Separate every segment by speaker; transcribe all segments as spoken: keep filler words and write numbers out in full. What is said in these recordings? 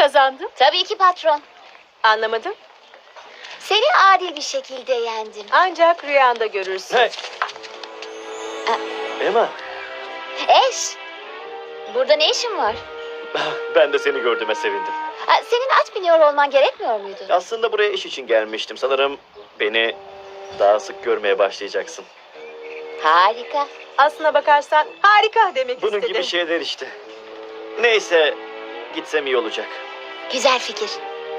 Speaker 1: kazandım?
Speaker 2: Tabii ki patron.
Speaker 1: Anlamadım.
Speaker 2: Seni adil bir şekilde yendim.
Speaker 1: Ancak rüyanda görürsün.
Speaker 3: Hey. Emma,
Speaker 2: Eş, burada ne işin var?
Speaker 3: ben de seni gördüğüme sevindim.
Speaker 2: Ha, senin at biniyor olman gerekmiyor muydu?
Speaker 3: Aslında buraya iş için gelmiştim. Sanırım beni daha sık görmeye başlayacaksın.
Speaker 2: Harika.
Speaker 1: Aslına bakarsan harika demek
Speaker 3: Bunun
Speaker 1: istedim.
Speaker 3: gibi şeyler işte. Neyse, gitsem iyi olacak.
Speaker 2: Güzel fikir.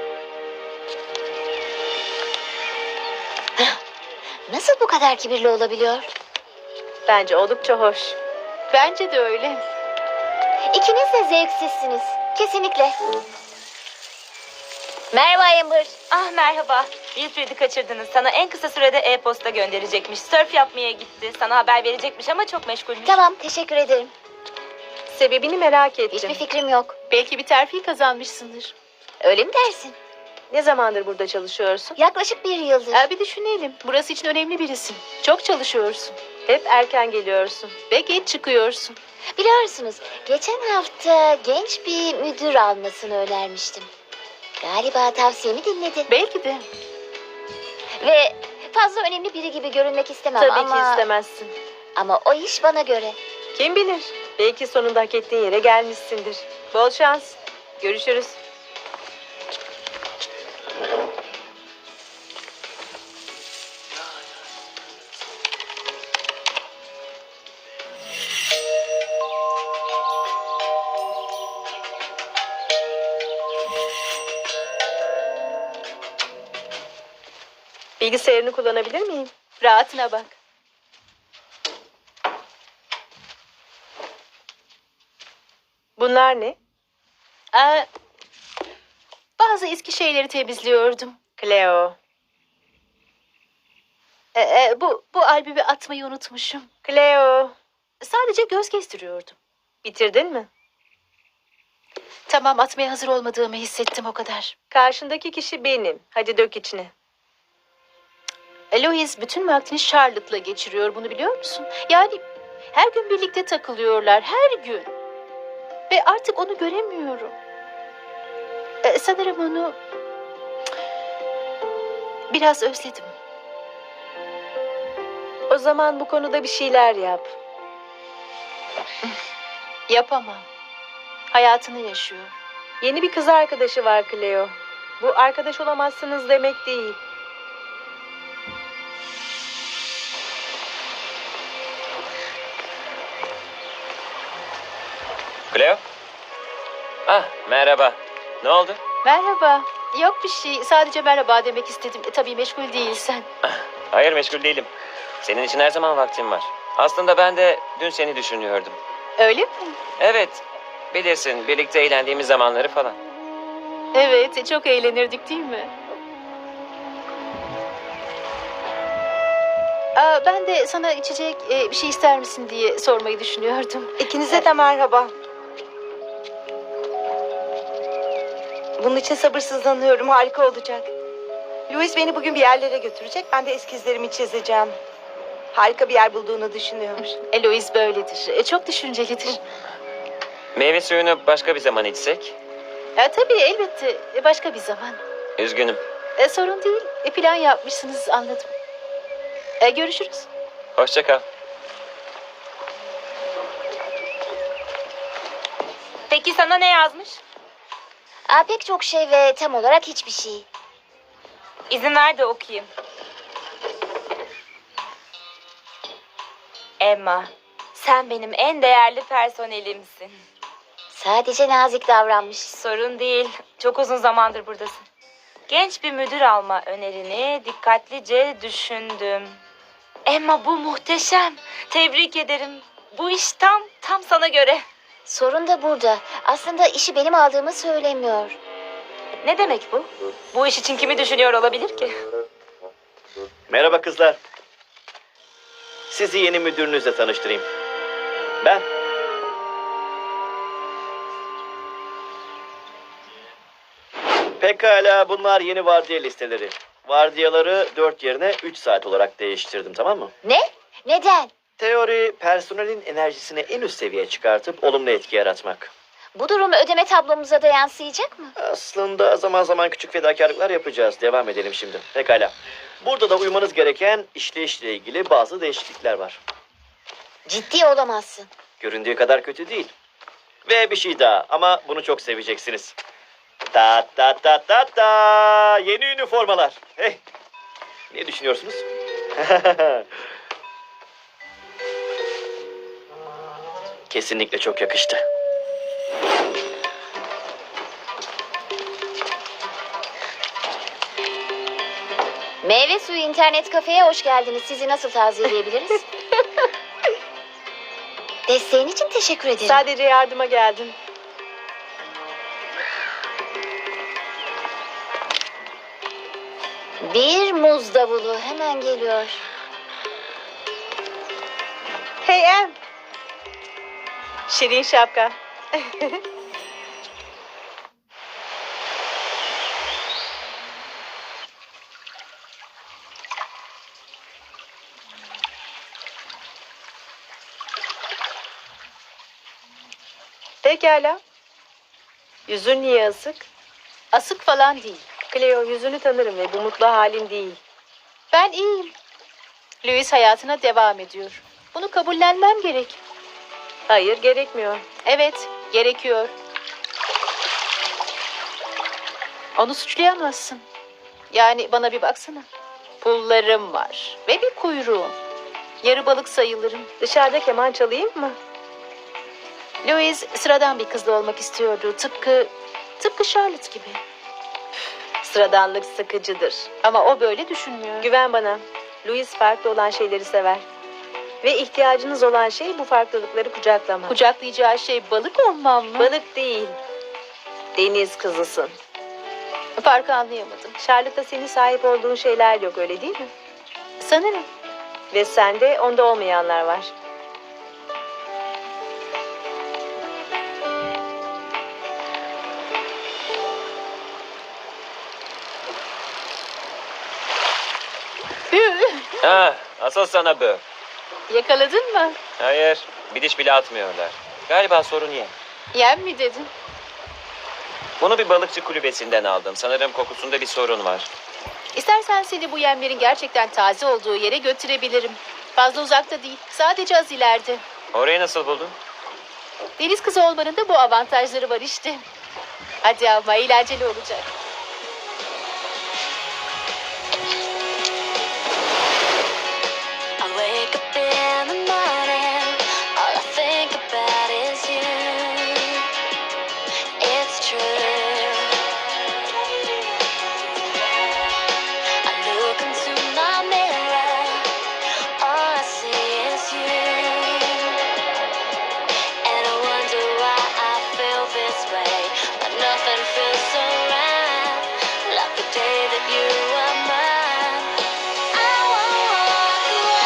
Speaker 2: Hah, nasıl bu kadar kibirli olabiliyor?
Speaker 1: Bence oldukça hoş. Bence de öyle.
Speaker 2: İkiniz de zevksizsiniz. Kesinlikle. Merhaba Amber.
Speaker 4: Ah merhaba. Wilfred'i kaçırdınız. Sana en kısa sürede e-posta gönderecekmiş. Sörf yapmaya gitti. Sana haber verecekmiş ama çok meşgulmüş.
Speaker 2: Tamam, teşekkür ederim.
Speaker 1: Sebebini merak ettim.
Speaker 2: Hiçbir fikrim yok.
Speaker 1: Belki bir terfi kazanmışsındır.
Speaker 2: Öyle mi dersin?
Speaker 1: Ne zamandır burada çalışıyorsun?
Speaker 2: Yaklaşık bir yıldır.
Speaker 1: Ee, bir düşünelim. Burası için önemli birisin. Çok çalışıyorsun. Hep erken geliyorsun ve geç çıkıyorsun.
Speaker 2: Biliyorsunuz, geçen hafta genç bir müdür almasını önermiştim. Galiba tavsiyemi dinledi.
Speaker 1: Belki de.
Speaker 2: Ve fazla önemli biri gibi görünmek istemem
Speaker 1: Tabii
Speaker 2: ama...
Speaker 1: ki istemezsin.
Speaker 2: Ama o iş bana göre.
Speaker 1: Kim bilir? Belki sonunda hak ettiğin yere gelmişsindir. Bol şans. Görüşürüz. Bilgisayarını kullanabilir miyim? Rahatına bak. Bunlar ne? Ee, bazı eski şeyleri temizliyordum. Cleo. Ee, e, bu, bu albümü atmayı unutmuşum. Cleo. Sadece göz gezdiriyordum. Bitirdin mi? Tamam, atmaya hazır olmadığımı hissettim, o kadar. Karşındaki kişi benim. Hadi dök içine. Louis bütün vaktini Charlotte'la geçiriyor, bunu biliyor musun? Yani her gün birlikte takılıyorlar, her gün. Ve artık onu göremiyorum. Ee, sanırım onu biraz özledim. O zaman bu konuda bir şeyler yap. Yapamam. Hayatını yaşıyor. Yeni bir kız arkadaşı var Cleo. Bu arkadaş olamazsınız demek değil.
Speaker 5: Cleo? Ah, merhaba. Ne oldu?
Speaker 1: Merhaba. Yok bir şey. Sadece merhaba demek istedim. E, tabii meşgul değilsen.
Speaker 5: Hayır, meşgul değilim. Senin için her zaman vaktim var. Aslında ben de dün seni düşünüyordum.
Speaker 1: Öyle mi?
Speaker 5: Evet, bilirsin birlikte eğlendiğimiz zamanları falan.
Speaker 1: Evet, çok eğlenirdik değil mi? Aa, ben de sana içecek e, bir şey ister misin diye sormayı düşünüyordum.
Speaker 6: İkinize de merhaba. Bunun için sabırsızlanıyorum. Harika olacak. Louis beni bugün bir yerlere götürecek. Ben de eskizlerimi çizeceğim. Harika bir yer bulduğunu düşünüyor.
Speaker 1: Eloise böyledir. E, çok düşüncelidir.
Speaker 5: Meyve suyunu başka bir zaman içsek?
Speaker 1: E, tabii elbette. E, başka bir zaman.
Speaker 5: Üzgünüm.
Speaker 1: E, sorun değil. E, plan yapmışsınız, anladım. E, görüşürüz.
Speaker 5: Hoşça kal.
Speaker 4: Peki sana ne yazmış?
Speaker 2: Aa, pek çok şey ve tam olarak hiçbir şey.
Speaker 4: İzin ver de okuyayım. Emma, sen benim en değerli personelimsin.
Speaker 2: Sadece nazik davranmış.
Speaker 4: Sorun değil. Çok uzun zamandır buradasın. Genç bir müdür alma önerini dikkatlice düşündüm. Emma, bu muhteşem. Tebrik ederim. Bu iş tam, tam sana göre.
Speaker 2: Sorun da burada. Aslında işi benim aldığımı söylemiyor.
Speaker 4: Ne demek bu? Bu iş için kimi düşünüyor olabilir ki?
Speaker 3: Merhaba kızlar. Sizi yeni müdürünüzle tanıştırayım. Ben. Pekala, bunlar yeni vardiya listeleri. Vardiyaları dört yerine üç saat olarak değiştirdim, tamam mı?
Speaker 2: Ne? Neden?
Speaker 3: Teori, personelin enerjisini en üst seviyeye çıkartıp olumlu etki yaratmak.
Speaker 2: Bu durum ödeme tablomuza da yansıyacak mı?
Speaker 3: Aslında zaman zaman küçük fedakarlıklar yapacağız. Devam edelim şimdi. Pekala. Burada da uymanız gereken işleyişle ilgili bazı değişiklikler var.
Speaker 2: Ciddi olamazsın.
Speaker 3: Göründüğü kadar kötü değil. Ve bir şey daha ama bunu çok seveceksiniz. Ta ta ta ta ta. Yeni üniformalar. Hey. Ne düşünüyorsunuz? Kesinlikle çok yakıştı.
Speaker 2: Meyve suyu internet kafeye hoş geldiniz. Sizi nasıl taziyeleyebiliriz? Desteğin için teşekkür ederim.
Speaker 6: Sadece yardıma geldim.
Speaker 2: Bir muz davulu hemen geliyor.
Speaker 6: Hey Em. Şirin şapka. Pekala. Yüzün niye asık?
Speaker 1: Asık falan değil.
Speaker 6: Cleo, yüzünü tanırım ve bu mutlu halin değil.
Speaker 1: Ben iyiyim. Louis hayatına devam ediyor. Bunu kabullenmem gerek.
Speaker 6: Hayır, gerekmiyor.
Speaker 1: Evet, gerekiyor. Onu suçlayamazsın. Yani bana bir baksana. Pullarım var ve bir kuyruğum. Yarı balık sayılırım.
Speaker 6: Dışarıda keman çalayım mı?
Speaker 1: Louis sıradan bir kızla olmak istiyordu. Tıpkı, tıpkı Charlotte gibi.
Speaker 6: Sıradanlık sıkıcıdır.
Speaker 1: Ama o böyle düşünmüyor.
Speaker 6: Güven bana. Louis farklı olan şeyleri sever. Ve ihtiyacınız olan şey bu farklılıkları kucaklamak.
Speaker 1: Kucaklayacağı şey balık olmam mı?
Speaker 6: Balık değil. Deniz kızısın.
Speaker 1: Farkı anlayamadım.
Speaker 6: Charlotte'da senin sahip olduğun şeyler yok, öyle değil mi?
Speaker 1: Sanırım.
Speaker 6: Ve sende onda olmayanlar var.
Speaker 5: Ha, asıl sana bu.
Speaker 1: Yakaladın mı?
Speaker 5: Hayır, bir diş bile atmıyorlar. Galiba sorun yem.
Speaker 1: Yem mi dedin?
Speaker 5: Bunu bir balıkçı kulübesinden aldım. Sanırım kokusunda bir sorun var.
Speaker 1: İstersen seni bu yemlerin gerçekten taze olduğu yere götürebilirim. Fazla uzakta değil. Sadece az ileride.
Speaker 5: Orayı nasıl buldun?
Speaker 1: Deniz kızı olmanın da bu avantajları var işte. Hadi ama eğlenceli olacak.
Speaker 7: I wake up in the morning, all I think about is you. It's true. I look into my mirror, all I see is you. And I wonder why I feel this way, but nothing feels so right, like the day that you were mine. I won't walk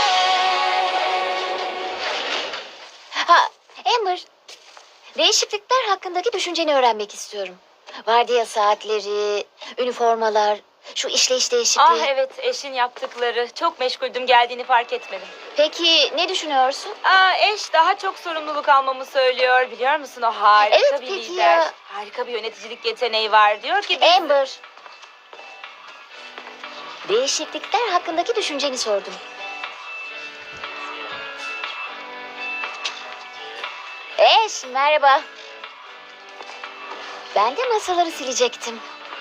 Speaker 7: away.
Speaker 2: Ha, Amber. Değişiklikler hakkındaki düşünceni öğrenmek istiyorum. Vardiya saatleri, üniformalar, şu işleyiş değişikliği.
Speaker 4: Ah evet, eşin yaptıkları. Çok meşguldüm, geldiğini fark etmedim.
Speaker 2: Peki ne düşünüyorsun?
Speaker 4: Aa, eş daha çok sorumluluk almamı söylüyor. Biliyor musun, o harika
Speaker 2: Evet,
Speaker 4: bir
Speaker 2: peki
Speaker 4: lider.
Speaker 2: ya.
Speaker 4: Harika bir yöneticilik yeteneği var. Diyor ki biz...
Speaker 2: Amber. Değişiklikler hakkındaki düşünceni sordum. Eş, merhaba. Ben de masaları silecektim.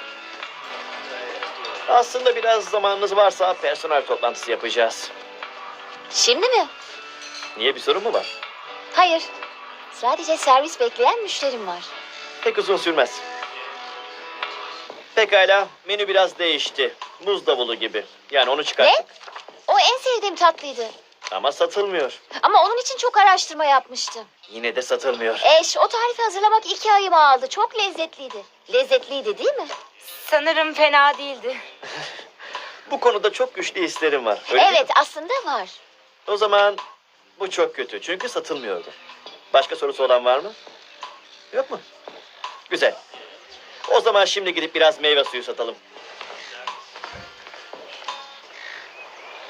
Speaker 3: Aslında biraz zamanınız varsa personel toplantısı yapacağız.
Speaker 2: Şimdi mi?
Speaker 3: Niye, bir sorun mu var?
Speaker 2: Hayır. Sadece servis bekleyen müşterim var.
Speaker 3: Pek uzun sürmez. Pekala, menü biraz değişti. Muz davulu gibi. Yani onu çıkarttık.
Speaker 2: O en sevdiğim tatlıydı.
Speaker 3: Ama satılmıyor.
Speaker 2: Ama onun için çok araştırma yapmıştım.
Speaker 3: Yine de satılmıyor.
Speaker 2: Eş, o tarifi hazırlamak iki ayımı aldı. Çok lezzetliydi. Lezzetliydi değil mi?
Speaker 4: Sanırım fena değildi.
Speaker 3: Bu konuda çok güçlü hislerim var. Öyle değil mi?
Speaker 2: Evet, aslında var.
Speaker 3: O zaman bu çok kötü. Çünkü satılmıyordu. Başka sorusu olan var mı? Yok mu? Güzel. O zaman şimdi gidip biraz meyve suyu satalım.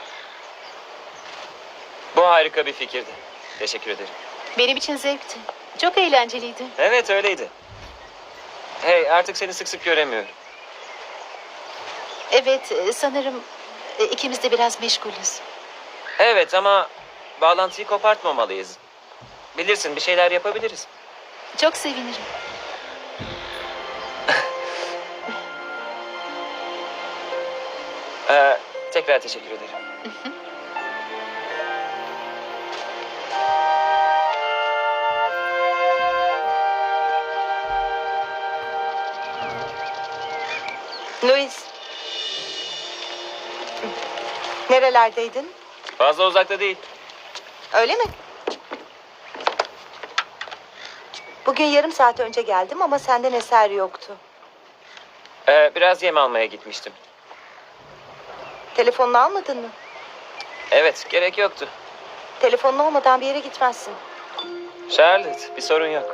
Speaker 5: Bu harika bir fikirdi. Teşekkür ederim.
Speaker 1: Benim için zevkti. Çok eğlenceliydi.
Speaker 5: Evet öyleydi. Hey artık seni sık sık göremiyorum.
Speaker 1: Evet, e, sanırım e, ikimiz de biraz meşgulüz.
Speaker 5: Evet ama bağlantıyı kopartmamalıyız. Bilirsin bir şeyler yapabiliriz.
Speaker 1: Çok sevinirim.
Speaker 5: Ee, tekrar teşekkür ederim.
Speaker 6: Louis. Nerelerdeydin?
Speaker 5: Fazla uzakta değil.
Speaker 6: Öyle mi? Bugün yarım saat önce geldim ama senden eser yoktu.
Speaker 5: Ee, biraz yem almaya gitmiştim.
Speaker 6: Telefonunu almadın mı?
Speaker 5: Evet gerek yoktu.
Speaker 6: Telefonun olmadan bir yere gitmezsin.
Speaker 5: Charlotte bir sorun yok.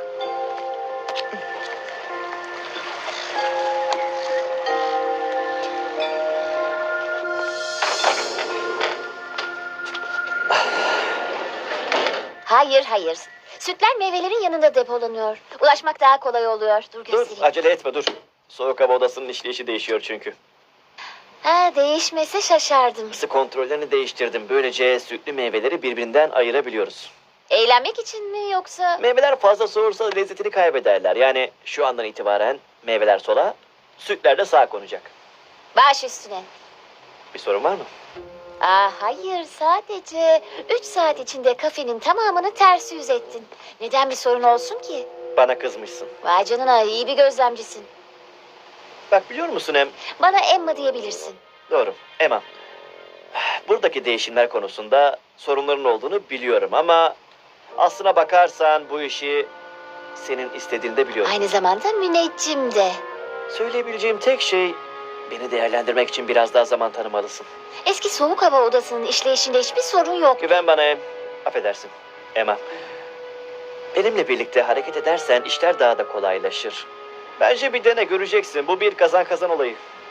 Speaker 2: Hayır hayır. Sütler meyvelerin yanında depolanıyor. Ulaşmak daha kolay oluyor. Dur
Speaker 3: Dur
Speaker 2: göstereyim.
Speaker 3: acele etme dur. Soğuk hava odasının işleyişi değişiyor çünkü.
Speaker 2: Ha, değişmese şaşardım.
Speaker 3: Isı kontrollerini değiştirdim. Böylece sütlü meyveleri birbirinden ayırabiliyoruz.
Speaker 2: Eğlenmek için mi yoksa?
Speaker 3: Meyveler fazla soğursa lezzetini kaybederler. Yani şu andan itibaren meyveler sola, sütler de sağa konacak.
Speaker 2: Baş üstüne.
Speaker 3: Bir sorun var mı?
Speaker 2: Aa, hayır sadece üç saat içinde kafenin tamamını ters yüz ettin. Neden bir sorun olsun ki?
Speaker 3: Bana kızmışsın.
Speaker 2: Vay canına iyi bir gözlemcisin.
Speaker 3: Bak biliyor musun Em?
Speaker 2: Bana Emma diyebilirsin.
Speaker 3: Doğru. Emma. Buradaki değişimler konusunda sorunların olduğunu biliyorum ama aslına bakarsan bu işi senin istediğini de biliyorum.
Speaker 2: Aynı zamanda müneccim de.
Speaker 3: Söyleyebileceğim tek şey beni değerlendirmek için biraz daha zaman tanımalısın.
Speaker 2: Eski soğuk hava odasının işleyişinde hiçbir sorun yok.
Speaker 3: Güven bana Em. Affedersin. Emma. Benimle birlikte hareket edersen işler daha da kolaylaşır. Bence bir dene göreceksin. Bu bir kazan kazan olayı.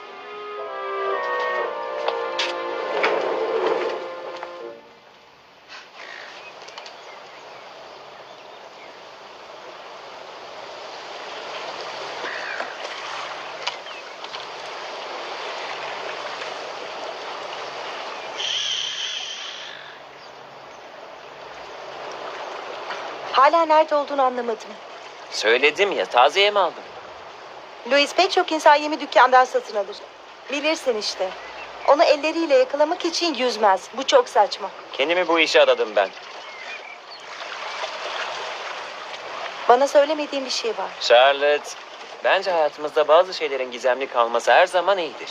Speaker 6: Hala nerede olduğunu anlamadım.
Speaker 5: Söyledim ya taze yem aldım.
Speaker 6: Louis pek çok insan yemi dükkandan satın alır. Bilirsin işte. Onu elleriyle yakalamak için yüzmez. Bu çok saçma.
Speaker 5: Kendimi bu işe adadım ben.
Speaker 6: Bana söylemediğin bir şey var.
Speaker 5: Charlotte, bence hayatımızda bazı şeylerin gizemli kalması her zaman iyidir.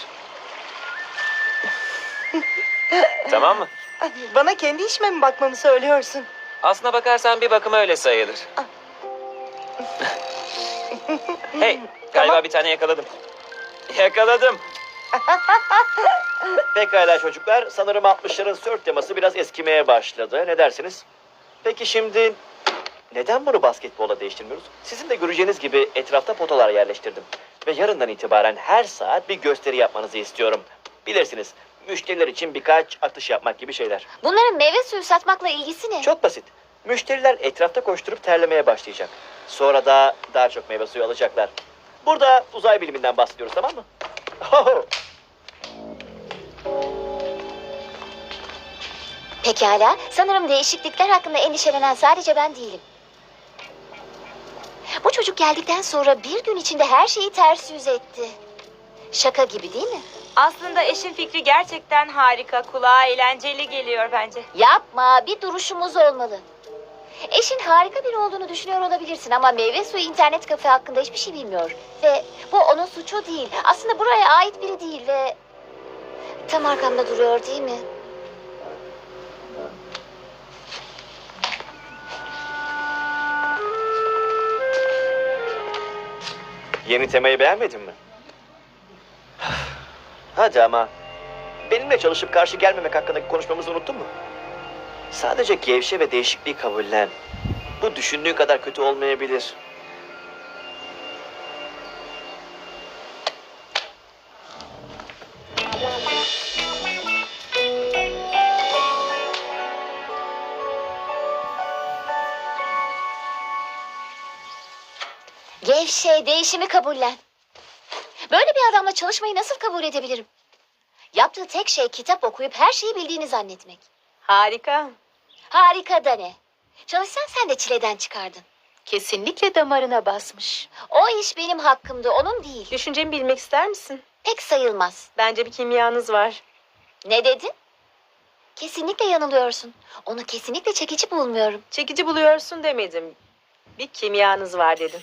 Speaker 5: Tamam mı?
Speaker 6: Bana kendi işime mi bakmamı söylüyorsun?
Speaker 5: Aslına bakarsan bir bakıma öyle sayılır. Hey, galiba
Speaker 6: Tamam.
Speaker 5: bir tane yakaladım. Yakaladım.
Speaker 3: Pekala çocuklar. Sanırım altmışların surf teması biraz eskimeye başladı. Ne dersiniz? Peki şimdi neden bunu basketbola değiştirmiyoruz? Sizin de göreceğiniz gibi etrafta potalar yerleştirdim. Ve yarından itibaren her saat bir gösteri yapmanızı istiyorum. Bilirsiniz, müşteriler için birkaç atış yapmak gibi şeyler.
Speaker 2: Bunların meyve suyu satmakla ilgisi ne?
Speaker 3: Çok basit. Müşteriler etrafta koşturup terlemeye başlayacak. Sonra da daha çok meyve suyu alacaklar. Burada uzay biliminden bahsediyoruz, tamam mı? Oho!
Speaker 2: Pekala. Sanırım değişiklikler hakkında endişelenen sadece ben değilim. Bu çocuk geldikten sonra bir gün içinde her şeyi ters yüz etti. Şaka gibi değil mi?
Speaker 4: Aslında eşin fikri gerçekten harika. Kulağa eğlenceli geliyor bence.
Speaker 2: Yapma, bir duruşumuz olmalı. Eşin harika biri olduğunu düşünüyor olabilirsin ama meyve suyu internet kafe hakkında hiçbir şey bilmiyor. Ve bu onun suçu değil. Aslında buraya ait biri değil ve... Tam arkamda duruyor değil mi?
Speaker 3: Yeni temayı beğenmedin mi? Hadi ama. Benimle çalışıp karşı gelmemek hakkındaki konuşmamızı unuttun mu? Sadece gevşe ve değişikliği kabullen. Bu düşündüğün kadar kötü olmayabilir.
Speaker 2: Gevşe, değişimi kabullen. Böyle bir adamla çalışmayı nasıl kabul edebilirim? Yaptığı tek şey kitap okuyup her şeyi bildiğini zannetmek.
Speaker 6: Harika.
Speaker 2: Harika da ne? Çalışsan sen de çileden çıkardın.
Speaker 1: Kesinlikle damarına basmış.
Speaker 2: O iş benim hakkımdı, onun değil.
Speaker 6: Düşüncemi bilmek ister misin?
Speaker 2: Pek sayılmaz.
Speaker 6: Bence bir kimyanız var.
Speaker 2: Ne dedin? Kesinlikle yanılıyorsun. Onu kesinlikle çekici bulmuyorum.
Speaker 6: Çekici buluyorsun demedim. Bir kimyanız var dedim.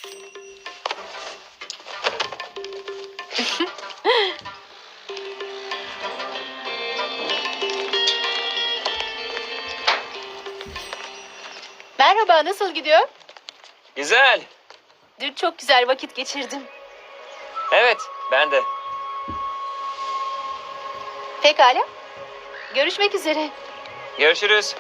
Speaker 1: Merhaba, nasıl gidiyor?
Speaker 5: Güzel.
Speaker 1: Dün çok güzel vakit geçirdim.
Speaker 5: Evet, ben de.
Speaker 1: Pekala. Görüşmek üzere.
Speaker 5: Görüşürüz.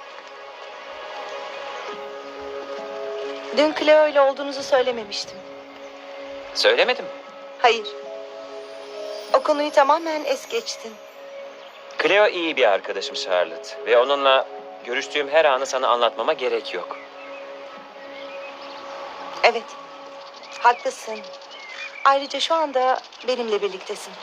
Speaker 6: Dün Cleo ile olduğunuzu söylememiştim.
Speaker 5: Söylemedim.
Speaker 6: Hayır. O konuyu tamamen es geçtin.
Speaker 5: Cleo iyi bir arkadaşım Charlotte. Ve onunla görüştüğüm her anı sana anlatmama gerek yok.
Speaker 6: Evet. Haklısın. Ayrıca şu anda benimle birliktesin.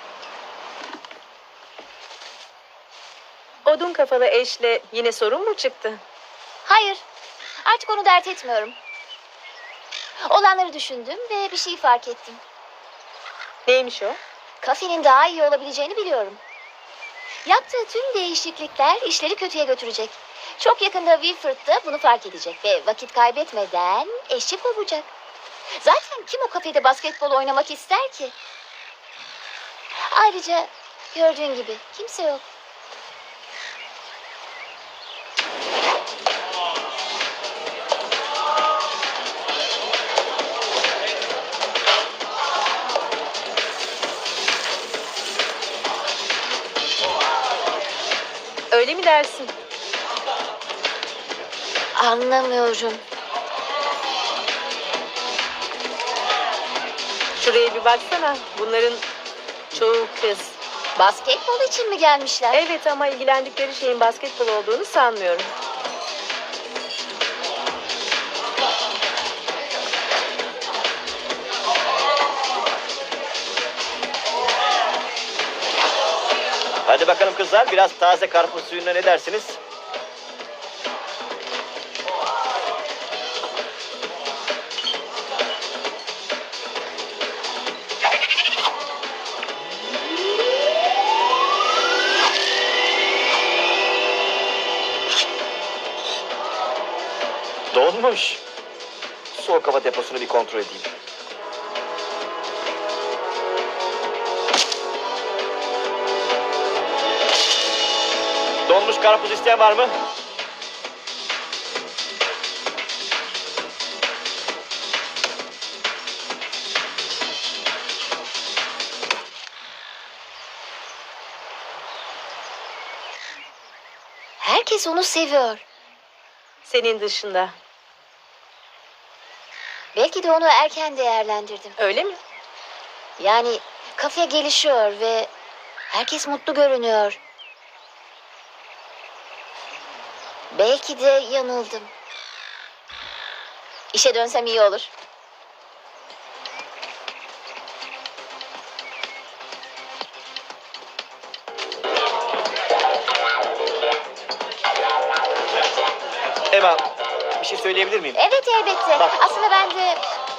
Speaker 6: Odun kafalı eşle yine sorun mu çıktı?
Speaker 2: Hayır, artık onu dert etmiyorum. Olanları düşündüm ve bir şey fark ettim.
Speaker 6: Neymiş o?
Speaker 2: Kafenin daha iyi olabileceğini biliyorum. Yaptığı tüm değişiklikler işleri kötüye götürecek. Çok yakında Wilford da bunu fark edecek ve vakit kaybetmeden eşi kovacak. Zaten kim o kafede basketbol oynamak ister ki? Ayrıca gördüğün gibi kimse yok.
Speaker 6: Öyle mi dersin?
Speaker 2: Anlamıyorum.
Speaker 6: Şuraya bir baksana. Bunların çoğu kız.
Speaker 2: Basketbol için mi gelmişler?
Speaker 6: Evet ama ilgilendikleri şeyin basketbol olduğunu sanmıyorum.
Speaker 3: Hadi bakalım kızlar, biraz taze karpuz suyuna ne dersiniz? Donmuş. Soğuk hava deposunu bir kontrol edeyim. Donmuş karpuz isteyen var mı?
Speaker 2: Herkes onu seviyor.
Speaker 6: Senin dışında.
Speaker 2: Belki de onu erken değerlendirdim.
Speaker 6: Öyle mi?
Speaker 2: Yani kafe gelişiyor ve herkes mutlu görünüyor. Belki de yanıldım. İşe dönsem iyi olur.
Speaker 3: Emma, bir şey söyleyebilir miyim?
Speaker 2: Evet elbette.
Speaker 3: Bak.
Speaker 2: Aslında ben de...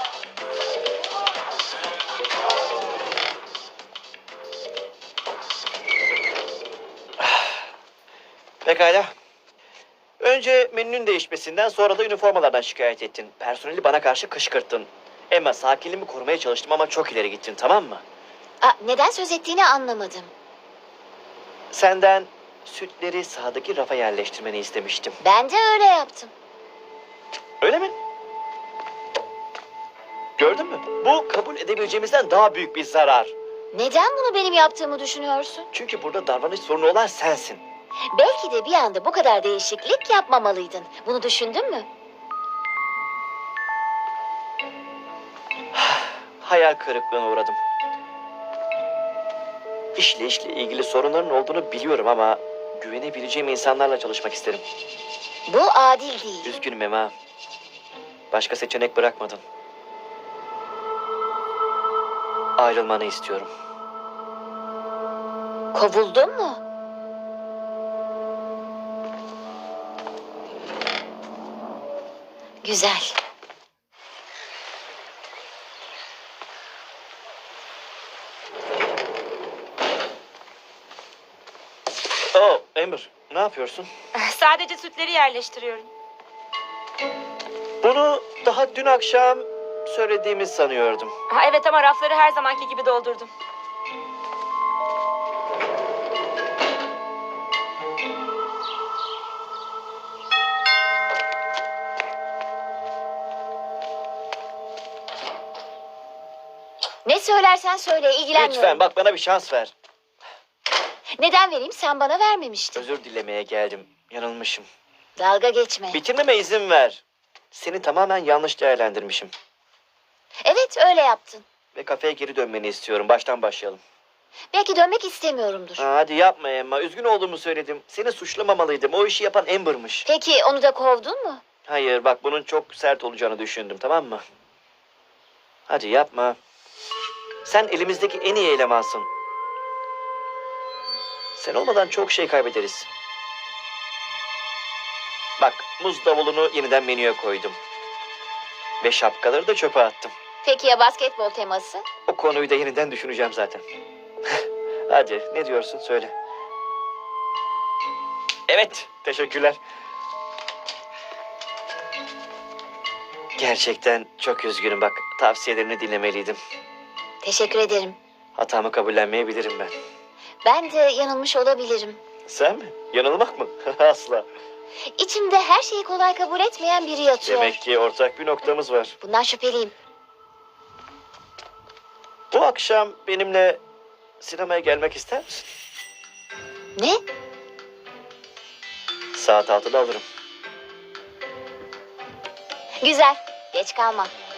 Speaker 3: Pekala. Önce menünün değişmesinden, sonra da üniformalardan şikayet ettin. Personeli bana karşı kışkırttın. Emma, sakinliğimi korumaya çalıştım ama çok ileri gittin, tamam mı?
Speaker 2: Aa, neden söz ettiğini anlamadım.
Speaker 3: Senden sütleri sağdaki rafa yerleştirmeni istemiştim.
Speaker 2: Ben de öyle yaptım.
Speaker 3: Öyle mi? Gördün mü? Bu kabul edebileceğimizden daha büyük bir zarar.
Speaker 2: Neden bunu benim yaptığımı düşünüyorsun?
Speaker 3: Çünkü burada davranış sorunu olan sensin.
Speaker 2: Belki de bir anda bu kadar değişiklik yapmamalıydın. Bunu düşündün mü?
Speaker 3: Hayal kırıklığına uğradım. İşle işle ilgili sorunların olduğunu biliyorum ama güvenebileceğim insanlarla çalışmak isterim.
Speaker 2: Bu adil değil.
Speaker 3: Üzgünüm Emma. Başka seçenek bırakmadın. ayrılmanı istiyorum.
Speaker 2: Kovuldun mu? Güzel.
Speaker 3: Oh, Amber, ne yapıyorsun?
Speaker 4: Sadece sütleri yerleştiriyorum.
Speaker 3: Bunu daha dün akşam söylediğimi sanıyordum.
Speaker 4: Ha, evet ama rafları her zamanki gibi doldurdum.
Speaker 2: Ne söylersen söyle, ilgilenmiyorum.
Speaker 3: Lütfen bak, bana bir şans ver.
Speaker 2: Neden vereyim? Sen bana vermemiştin.
Speaker 3: Özür dilemeye geldim. Yanılmışım.
Speaker 2: Dalga geçme.
Speaker 3: Bitirmeme izin ver. Seni tamamen yanlış değerlendirmişim.
Speaker 2: Evet, öyle yaptın.
Speaker 3: Ve kafeye geri dönmeni istiyorum. Baştan başlayalım.
Speaker 2: Belki dönmek istemiyorumdur.
Speaker 3: Ha, hadi yapma Emma. Üzgün olduğumu söyledim. Seni suçlamamalıydım. O işi yapan Amber'mış.
Speaker 2: Peki onu da kovdun mu?
Speaker 3: Hayır, bak bunun çok sert olacağını düşündüm, tamam mı? Hadi yapma. Sen elimizdeki en iyi elemansın. Sen olmadan çok şey kaybederiz. Bak, muz davulunu yeniden menüye koydum. Ve şapkaları da çöpe attım.
Speaker 2: Peki ya basketbol teması?
Speaker 3: O konuyu da yeniden düşüneceğim zaten. Hadi, ne diyorsun söyle. Evet, teşekkürler. Gerçekten çok üzgünüm, bak tavsiyelerini dinlemeliydim.
Speaker 2: Teşekkür ederim.
Speaker 3: Hatamı kabullenmeyebilirim ben.
Speaker 2: Ben de yanılmış olabilirim.
Speaker 3: Sen mi? Yanılmak mı? Asla.
Speaker 2: İçimde her şeyi kolay kabul etmeyen biri yatıyor.
Speaker 3: Demek ki ortak bir noktamız var.
Speaker 2: Bundan şüpheliyim.
Speaker 3: Bu akşam benimle sinemaya gelmek ister misin?
Speaker 2: Ne?
Speaker 3: Saat altıda alırım.
Speaker 2: Güzel. Geç kalma.